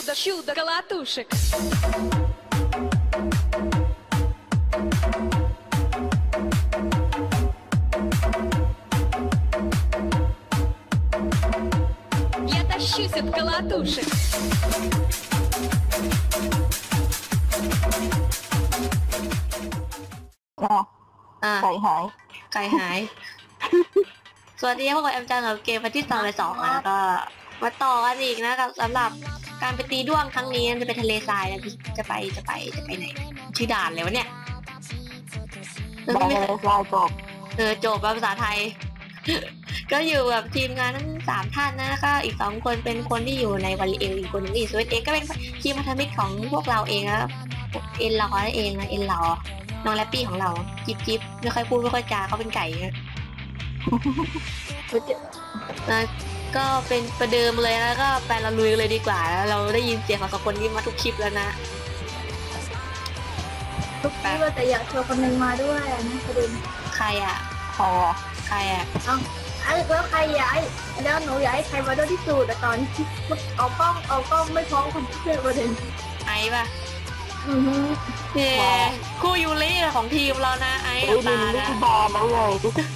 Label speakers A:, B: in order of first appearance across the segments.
A: Чудо колотушек. Я тащусь от колотушек.
B: ไก่หาย
C: ไก่หาย สวัสดีพวกเราแอมจังกับเกมวันที่2นะก็มาต่อกันอีกนะสำหรับการไปตีด้วงครั้งนี้จะไปทะเลทรายนะจะไปไหนชื่อด่านเลยวะเนี่ย
B: ได้เลยลายจบ
C: จบภาษาไทย ก็อยู่กับทีมงานทั้ง3ท่านนะก็อีก2คนเป็นคนที่อยู่ในวาริเอลอีกคนนึงอีสวีทเองก็เป็นทีมพันธมิตรของพวกเราเองนะเอ็นหล่อนั่นเองนะเอ็นหล่อน้องแรปปี้ของเราจิ๊บไม่ค่อยพูดไม่ค่อยจาเขาเป็นไก่นะก็เป็นประเดิมเลยแล้วก็ไปเราลุยเลยดีกว่าเราได้ยินเสียงของคนนี้มาทุกคลิปแล้วนะ
D: ทุกคลิปแต่อยากชวนคนนึงมาด้วยนะประเด็น
C: ใครอ่ะ
D: แล้วใครอยากแล้วหนูอยากให้ใครมาด้วยที่สุดแต่ตอนที่เอากล้องไม่พร้อมคนที่เป็นประเด็น
C: ไอ้ป่ะคู่ยูริของทีมเรานะไอ้ตานะ
B: บอลมาเลย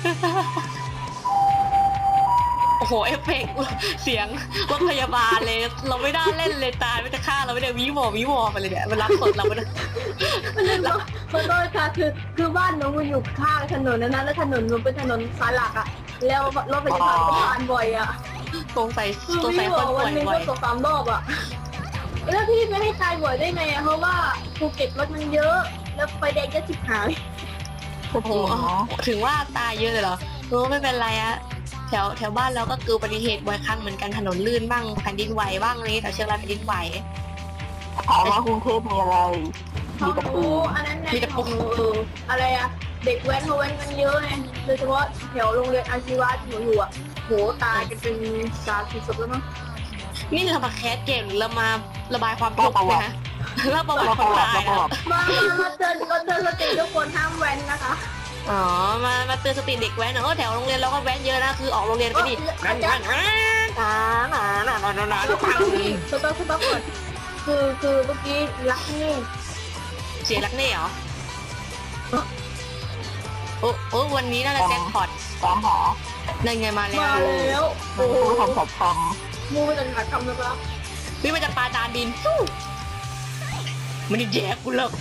C: โอ้โหเอฟเฟกต์เสียงรถพยาบาลเลยเราไม่ได้เล่นเลยตายไม่จะฆ่าเราไม่ได้วิวอไปเลยเนี่ยมันรับสดเราไม่ได้
D: มันโดนค่ะคือบ้านหนูมันอยู่ข้างถนนนั้นแล้วถนนมันเป็นถนนสายหลักอ่ะแล้วรถพยาบาลก็ผ่านบ่อยอ่ะ
C: สงสัยคนป่วยบ่อย
D: ก็2-3 รอบอ่ะแล้วพี่ไม่ให้ตายบ่อยได้ไงเพราะว่าภูเก็ตรถมันเยอะแล้วไฟแดงก็จิบหาย
C: โอ้โหถึงว่าตายเยอะเลยเหรอไม่เป็นไรอะแถวบ้านเราก็เกิดอุบัติเหตุบ่อยครั้งเหมือนกันถนนลื่นบ้างแผ่นดินไหวบ้างนี้แต่เชียงรายแผ่นดินไหว
B: ถามว่ากรุงเทพมีอะไร
D: มีตะปูอะไรอะเด็กแว้นเขาแว้นกันเยอะไงโดยเฉพาะแถวโรงเรียนอาชีวะที่หนูอยู่อะโหตายกันเป็น30 ศพแล้วมั้ง
C: นี่เรามาแคสเกมหรือเรามาระบายความทุกข์นะเราประวัติคนตาย
D: มาเตือนสติทุกคนห้ามแว้นนะคะ
C: อ๋อมาเตือนสติเด็กแว้นแถวโรงเรียนเราก็แว้นเยอะนะคือออกโรงเรียนก็ดีนั่นสต๊อก
D: ก่อนคือเมื่อกี้รักเน่
C: เสียรักเน่เหรอโอ้วันนี้น่าจะแจ็คพอต
B: ตามหา
C: นั่นไงมาแล้ว
B: โอ้โหทำสัตว์ท
D: ำมูมันจะหัดทำนะครับ
C: พี่มันจะปาจานดินมันนี่แย่กูเลิก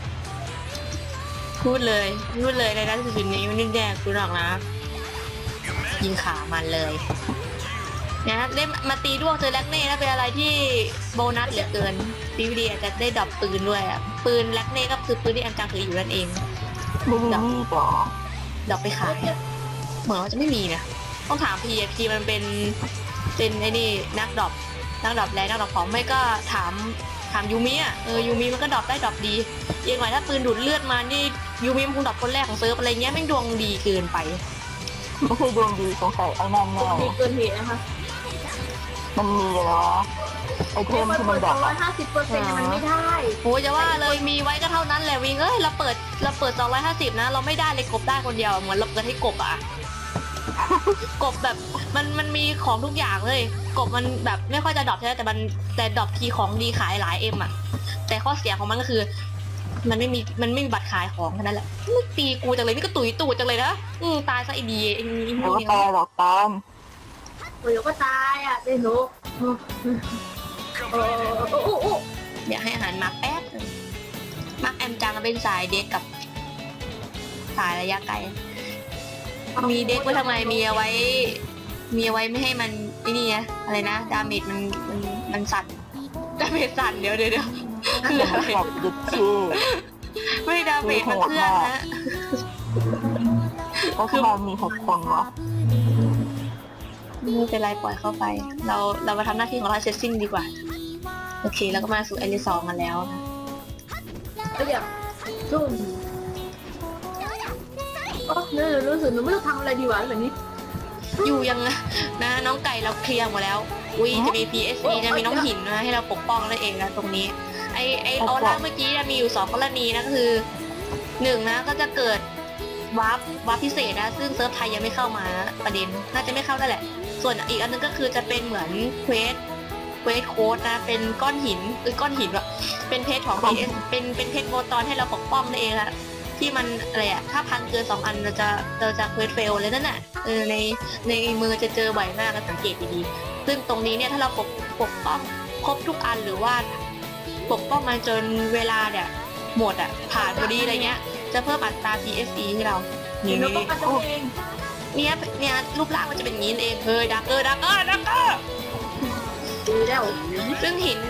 C: พูดเลยในด้านสุดนี้มันนี่แย่กูหรอกนะยิงขามันเลยนะได้มาตีด้วงเจอแล็กเน่แล้วเป็นอะไรที่โบนัสเหลือเกินดีวีดีอาจจะได้ดรอปปืนด้วยอ่ะปืนแล็กเน่ก็คือปืนที่แอมจังถืออยู่นั่นเอง
B: ด
C: อกไปขายเหมือนว่าจะไม่มีนะต้องถามพีมันเป็นไอ้นี่นักดรอปแรงนักดรอปของไม่ก็ถามยูมิอ่ะยูมิมันก็ดรอปได้ดรอปดียังไงถ้าปืนดูดเลือดมานี่ยูมิมันคงดรอปคนแรกของเซิร์ฟอะไรเงี้ยแม่งดวงดีเกินไป
B: ไม่ใช่ดวงดีสงสัยไอ้นั่นแน่
D: ดีเกินเหตุนะคะ
B: มันมีเหรอไอเทมที่มันดรอป
D: 150%มันไม่ได้
C: โอ้ยจะว่าเลยมีไว้ก็เท่านั้นแหละวิงเราเปิด250นะเราไม่ได้เลยกบได้คนเดียวเหมือนเราเปิดให้กบอ่ะกบแบบมันมีของทุกอย่างเลยกบมันแบบไม่ค่อยจะดรอปใช่ไหมแต่ดรอปทีของดีขายหลายอ่ะแต่ข้อเสียของมันก็คือมันไม่มีบัตรขายของแค่นั้นแหละไม่ตีกูจังเลยนี่ก็ตุ๋ยตูดจังเลยนะตายซะไอดีไอ้นี่
B: ไม่ตายหรอกตาม
D: เดี๋ยวก็ตายอ่ะเดี๋ยวหนู
C: อยากให้อาหารมาแป๊บมักแอมจังเป็นสายเด็กกับสายระยะไกลมีเด็กไว้ทำไมมีเอาไว้ไม่ให้มันไอ้นี่ไงอะไรนะดาเมจมันสั่นดาเมจสั่นเดี๋ยวคืออะไรไม่ดาเมจมันเคลื่อนนะ
B: คือมันมี6 คนวะ
C: ไม่เป็นไรปล่อยเข้าไปเรามาทำหน้าที่ของเราเซตซิ่งดีกว่าโอเคแล้วก็มาสู่L2กันแล้วนะ
D: เดี๋ยวซุ่มเนี่ยรู้สึกหนูไม่รู้ทำอะไรดีวะแบบนี้
C: อยู่ยังนะน้องไก่เราเคลียร์หมดแล้วจะมี PSE จะมีน้องหินนะให้เราปกป้องนั่นเองนะตรงนี้ไอออร่าเมื่อกี้มีอยู่2 กรณีนะก็คือ1นะก็จะเกิดวาร์ปพิเศษนะซึ่งเซิร์ฟไทยยังไม่เข้ามาประเด็นน่าจะไม่เข้าได้แหละส่วนอีกอันนึงก็คือจะเป็นเหมือนเควสเควสโค้ดนะเป็นก้อนหินก้อนหินอะเป็นเพชรของ PS เป็นเพชรโมตอนให้เราปกป้องนั่นเองอะที่มันอะไรอะถ้าพังเกิน2 อันเราจะเควสเฟลเลยนั่นน่ะในมือจะเจอบ่อยมากนะสังเกตดีๆซึ่งตรงนี้เนี่ยถ้าเราปกป้องครบทุกอันหรือว่าปกป้องมันจนเวลาเนี่ยหมดอะผ่านพอดีอะไรเงี้ยจะเพิ่มอัตรา PSE ให้เรานี่
D: เราก็ตัวเอง
C: เนี่ยรูปร่างมันจะเป็นอย่างนี้เองเฮ้ยดักเกอร์
D: ดีแล้ว
C: ซึ่งหิน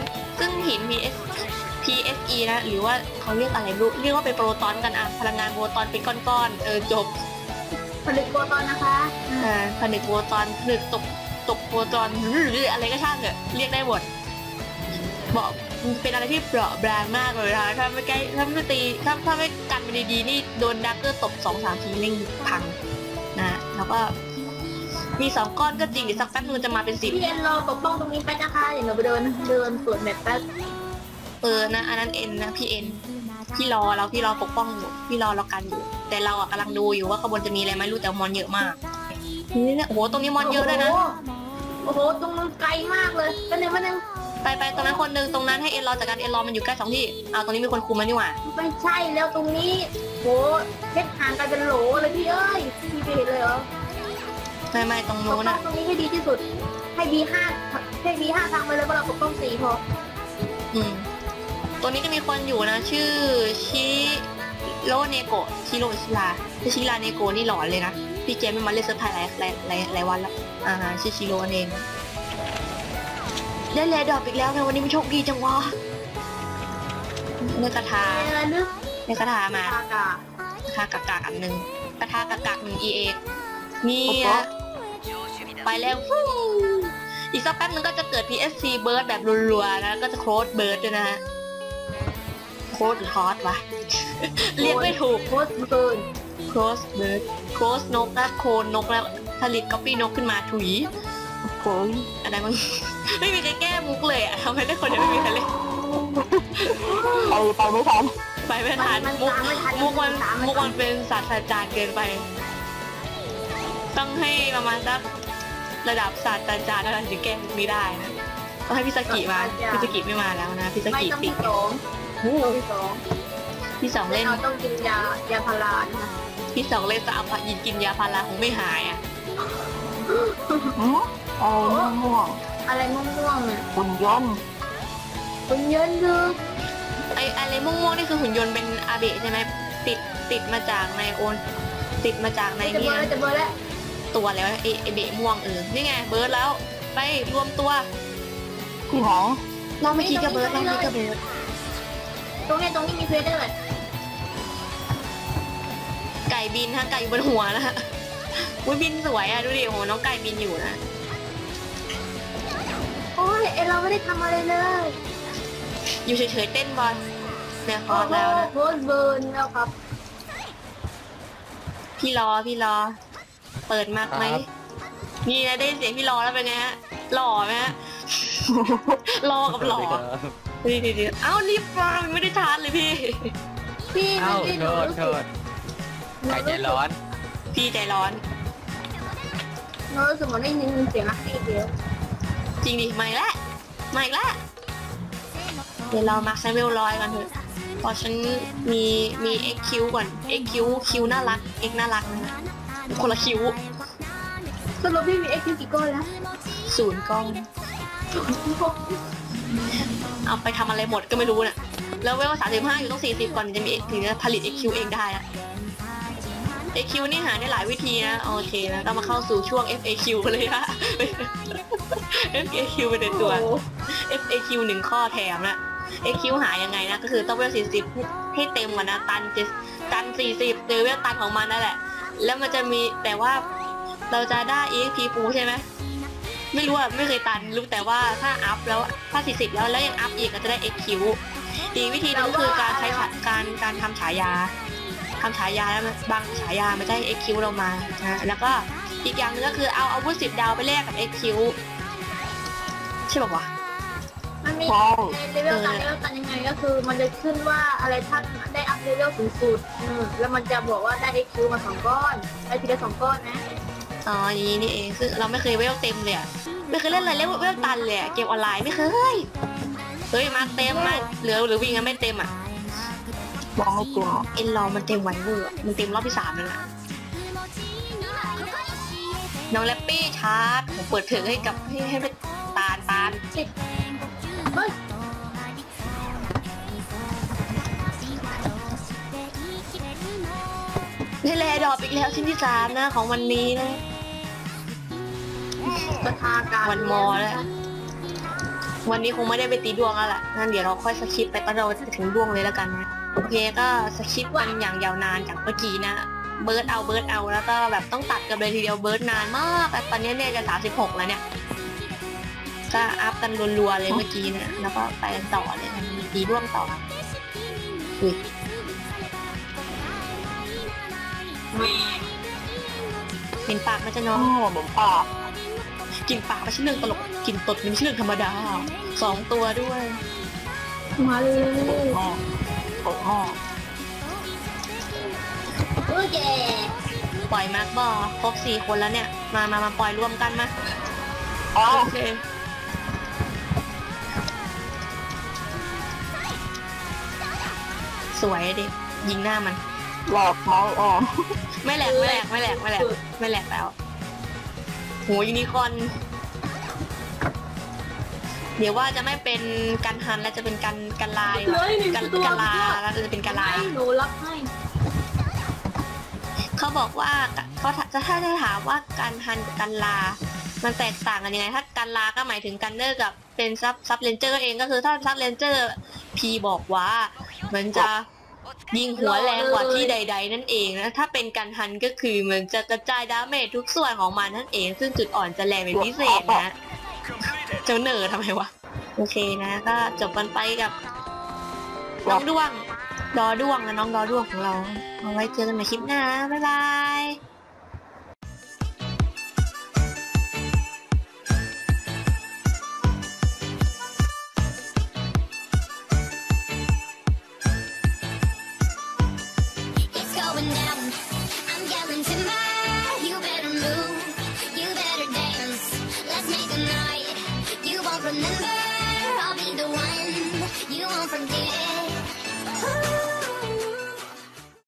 C: PSE นะหรือว่าเขาเรียกอะไรเรียกว่าเป็นโปรตอนกันอะพลังงานโปรตอนเป็นก้อนๆจบ
D: ผลิตโปรตอนนะคะ
C: ผนึกโปรตอนผนึกตกโปรตอนหรืออะไรก็ช่างเถอะเรียกได้หมดบอกเป็นอะไรที่เปราะบางมากเลยนะถ้าไม่กันมันดีๆนี่โดนดักเกอร์ตบ 2-3 ทีเร่งพังนะแล้วก็มี2 ก้อนก็จริงเดี๋ยวสักแป๊บนึงจะมาเป็น10
D: พี่เอ็นรอปกป้องตรงนี้ไปนะคะเดี๋ยวเราไปเดินสวนแมปแป๊บ
C: นะอันนั้นเอ็นนะพี่เอ็นพี่รอปกป้องอยู่พี่รอเรากันอยู่แต่เราอะกำลังดูอยู่ว่าขบวนจะมีอะไรไหมรู้แต่มอนเยอะมากนี่เนี่ยโอ้โหตรงนี้มอนเยอะด้วยนะ
D: โอ้โหตรงนั้นไกลมากเลยไปไหน
C: ไปตรงนั้นคนนึงตรงนั้นให้เอ็นรอจากการเอ็นรอมันอยู่ใกล้2 ที่ตรงนี้มีคนคุมมันนี่หว่า
D: ไม่ใช่แล้วตรงนี้โหเพชรห่างกันเป็นโหลเลยพี่เอ้ยพี่ไปเห็นเลยเหรอ
C: ไม่ตรงโน้นอะ
D: ตรงนี้ให้ดีที่สุดให้ B5 ทางไปเลยเพราะเราปกป้อง4พอ
C: ตัวนี้จะมีคนอยู่นะชื่อชิโรเนโกะชิลาเนโกะนี่หลอนเลยนะพี่เจมไม่มาเล่นเซอร์ไพรส์หลายวันแล้วชื่อชิโร่เองได้แลดอกอีกแล้วไงวันนี้มันโชคดีจังวะเนื้อกระทามาคากากอันนึงกระทากาก1 EA นี่ไปแล้วอีกสักแป๊บนึงก็จะเกิด PSC เบิร์ดแบบรัวๆนะก็จะโค้ดเบิร์ดด้วยนะโค้ดหรือคอสวะเรียกไม่ถูก
D: โค้ดเบิร์ด
C: โค้ดนกนะโคนนกแล้วผลิตก๊อปปี้นกขึ้นมาถุย
B: โอ้ย
C: อะไรมึงไม่มีใครแก้มุกเลยอะทำไมได้คนเดียวไม่มีใครเล่น
B: ไปไม่ทัน
C: มุกมันเป็นศาสตราจารย์เกินไปต้องให้ประมาณสักระดับศาสตราจารย์ถึงแก้มุกนี้ได้นะต้องให้พิสกิมาพิสกิไม่มาแล้วนะพิสกิปิดพี่สองเล่น
D: ต้องกินยาพารานะ
C: พี่สองเล่นจะเอากินยาพาราคงไม่หายอ่ะ
D: อะไรม่วงเนี่ย
B: หุ่นยนต์
D: คือ
C: อะไรม่วงนี่คือหุ่นยนต์เป็นอาเบะใช่ไหมติดมาจากในโอนติดมาจากในนี่
D: จะเบิร์ดแล้ว
C: ตัวแล้วไอเบะม่วงนี่ไงเบิร์ดแล้วไปรวมตัว
B: ที่หอ
C: เราไม่คิดกับเบิร์ดตรงนี้
D: มีเฟสด้วย
C: ไก่บินฮะไก่อยู่บนหัวนะฮะอุ้ยบินสวยอ่ะดูดิโหน้องไก่บินอยู่นะ
D: โอ้ยเราไม่ได้ทำอะไรเลย
C: อยู่เฉยๆเต้นบอลเนี่ยคอร์สแล้วนะ
D: โคตรเบิร์นแล้วครับ
C: พี่รอเปิดมากไหมนี่นะได้เสียงพี่รอแล้วเป็นไงฮะหล่อไหมฮะรอกับหล่อดีเอ้ารีบมาไม่ได้ชาร์จเลยพี่
E: โทษใครใจร้อน
C: พี่ใจร้อน
D: รู้สึกเหมือนได้ยินเสียงนักเตะเดียว
C: จริงดิมาอีกแล้วเดี๋ยวเรามาใช้เวล100กันเถอะพอฉันมี XQ ก่อน XQ คิวน่ารัก X น่ารักนะคนละคิว
D: สรุปพี่มี XQ กี่ก้อนแล้ว
C: 0 ก้อนเอาไปทำอะไรหมดก็ไม่รู้น่ะแล้วเวล35อยู่ต้อง40ก่อนจะมีถึงจะผลิต XQ เองได้อะAQ นี่หาได้หลายวิธีนะโอเคนะเรามาเข้าสู่ช่วง FAQ กันเลยฮะ FAQ เป็นตัว FAQ 1 ข้อแถมนะ AQ หายังไงนะก็คือต้องเวล40ให้เต็มก่อนนะตัน40เจอเวลตันของมันนั่นแหละแล้วมันจะมีแต่ว่าเราจะได้ EXP ฟูใช่ไหมไม่รู้อ่ะไม่เคยตันรู้แต่ว่าถ้าอัพแล้วถ้า40แล้วยังอัพอีกก็จะได้ XQ อีกวิธีนึงก็คือการใช้การทำฉายาแล้วบางฉายาไม่ได้ XQ เรามานะแล้วก็อีกอย่างนึงก็คือเอาอาวุธ10 ดาวไปแลกกับ XQ ใช่ป่าววะ
D: มันมีเลเวลกันยังไงก็คือมันจะขึ้นว่าอะไรท่านได้อัพเลเวลสูงสุดแล้วมันจะบอกว่าได้ XQ มา2 ก้อนได้ทีละ2 ก้อนนะ
C: อ๋ออย่างนี้นี่เองซึ่งเราไม่เคยเวลเต็มเลยอะไม่เคยเล่นอะไรเวลตันเลยอะเกมออนไลน์ไม่เคยเฮ้ยมาเต็มมาเหลือหรือวิ่งกันไม่เต็มอะ
B: ยังไม่เต็ม
C: เอ็นลองมันเต็มไวเวอร์มันเต็มรอบที่3แล้วนะน้องแรปปี้ชาร์จผมเปิดเพลงให้กับให้เป็นตาล
D: เฮ้ย
C: นี่แลดรอปอีกแล้วชิ้นที่3นะของวันนี้นะ
D: ประทาการ
C: วันมอแล้ววันนี้คงไม่ได้ไปตีดวงแล้วล่ะงั้นเดี๋ยวเราค่อยสคิปไปตอนเราจะถึงดวงเลยแล้วกันนะโอเคก็สคิปกันอย่างยาวนานจากเมื่อกี้นะเบิร์ดเอาแล้วก็แบบต้องตัดกันเลยทีเดียวเบิร์ดนานมากแต่ตอนนี้เนี่ยจะ36แล้วเนี่ยก็อัพกันรัวๆเลยเมื่อกี้นะแล้วก็ไปกันต่อเลยมีตีดวงต่ออุ้ยเป็นปากมันจะน้อง
B: นี่เหมือนป่า
C: กินปากไม่ใช่เรื่องตลกกินตดไม่ใช่เรื่องธรรมดา2 ตัวด้วย
D: มาเลย
B: แม่ตกแม่
D: โอเค
C: ปล่อยมาร์กบอครบ4 คนแล้วเนี่ยมาปล่อยรวมกันมา
B: อ้าว
C: โอเคสวยดิยิงหน้ามัน
B: แหลกไหม
C: ไม่แหลกแล้วโหยูนิคอร์นเดี๋ยวว่าจะไม่เป็นกันฮันแล้วจะเป็นกันลาย
D: เลยหนึ่งตัว
C: กันลาแล้วจะเป็นกันลา
D: ให้หนูรับให้
C: เขาบอกว่าเขาถ้าจะถามว่ากันฮันกับกันลา มันแตกต่างกันยังไงถ้ากันลาก็หมายถึงกันเนอร์กับเป็นซับเลนเจอร์เองก็คือถ้าซับเลนเจอร์พีบอกว่ามันจะยิงหัวแรงกว่าที่ใดๆนั่นเองนะถ้าเป็นกันฮันก็คือมันจะกระจายดาเมจทุกส่วนของมันนั่นเองซึ่งจุดอ่อนจะแรงเป็นพิเศษนะเจ้าเนอร์ทำไมวะโอเคนะก็จบกันไปกับน้องด้วงดอด้วงและน้องดอด้วงของเราเอาไว้เจอกันใหม่คลิปหน้าบ๊ายบาย